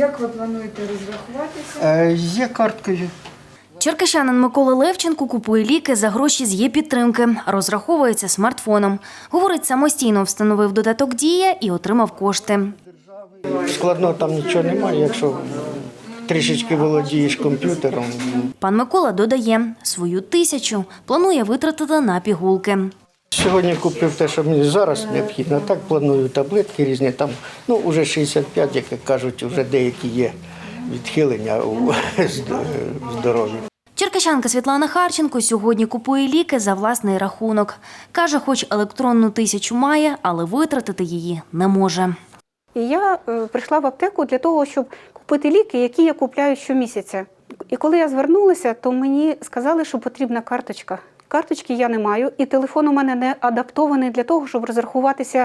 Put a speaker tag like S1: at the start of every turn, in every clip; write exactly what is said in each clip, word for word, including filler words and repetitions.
S1: Як ви плануєте розрахуватися?
S2: Е, Є карткою.
S3: Черкащанин Микола Левченко купує ліки за гроші з Є-підтримки. Розраховується смартфоном. Говорить, самостійно встановив додаток «Дія» і отримав кошти.
S2: Складного там нічого немає, якщо трішечки володієш комп'ютером.
S3: Пан Микола додає, свою тисячу планує витратити на пігулки.
S2: Сьогодні купив те, що мені зараз необхідно. Так планую таблетки різні. Там, ну, вже шістдесят п'ять, як кажуть, вже деякі є відхилення у здоров'ї.
S3: Черкащанка Світлана Харченко сьогодні купує ліки за власний рахунок. Каже, хоч електронну тисячу має, але витратити її не може.
S4: І я е, прийшла в аптеку для того, щоб купити ліки, які я купляю щомісяця. І коли я звернулася, то мені сказали, що потрібна карточка. Карточки я не маю, і телефон у мене не адаптований для того, щоб розрахуватися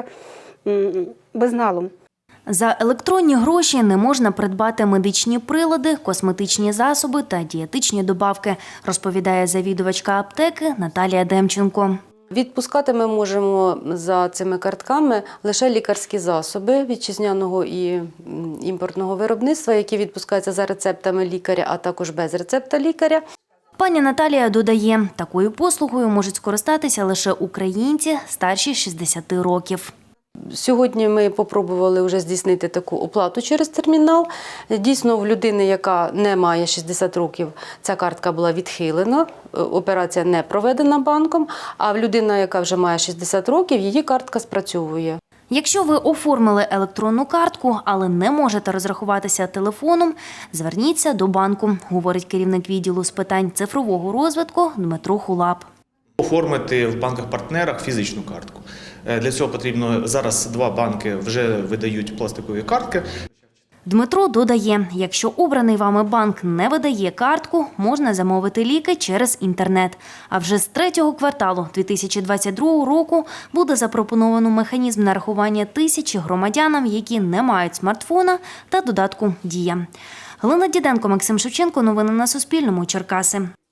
S4: м, безналом.
S3: За електронні гроші не можна придбати медичні прилади, косметичні засоби та дієтичні добавки, розповідає завідувачка аптеки Наталія Демченко.
S5: Відпускати ми можемо за цими картками лише лікарські засоби вітчизняного і імпортного виробництва, які відпускаються за рецептами лікаря, а також без рецепта лікаря.
S3: Пані Наталія додає, такою послугою можуть скористатися лише українці старші шістдесяти років.
S5: Сьогодні ми спробували вже здійснити таку оплату через термінал. Дійсно, в людини, яка не має шістдесят років, ця картка була відхилена, операція не проведена банком, а в людина, яка вже має шістдесят років, її картка спрацьовує.
S3: Якщо ви оформили електронну картку, але не можете розрахуватися телефоном, зверніться до банку, говорить керівник відділу з питань цифрового розвитку Дмитро Хулап.
S6: Оформити в банках-партнерах фізичну картку. Для цього потрібно, зараз два банки вже видають пластикові картки.
S3: Дмитро додає, якщо обраний вами банк не видає картку, можна замовити ліки через інтернет. А вже з третього кварталу дві тисячі двадцять другого року буде запропоновано механізм нарахування тисячі громадянам, які не мають смартфона та додатку «Дія». Галина Діденко, Максим Шевченко. Новини на Суспільному. Черкаси.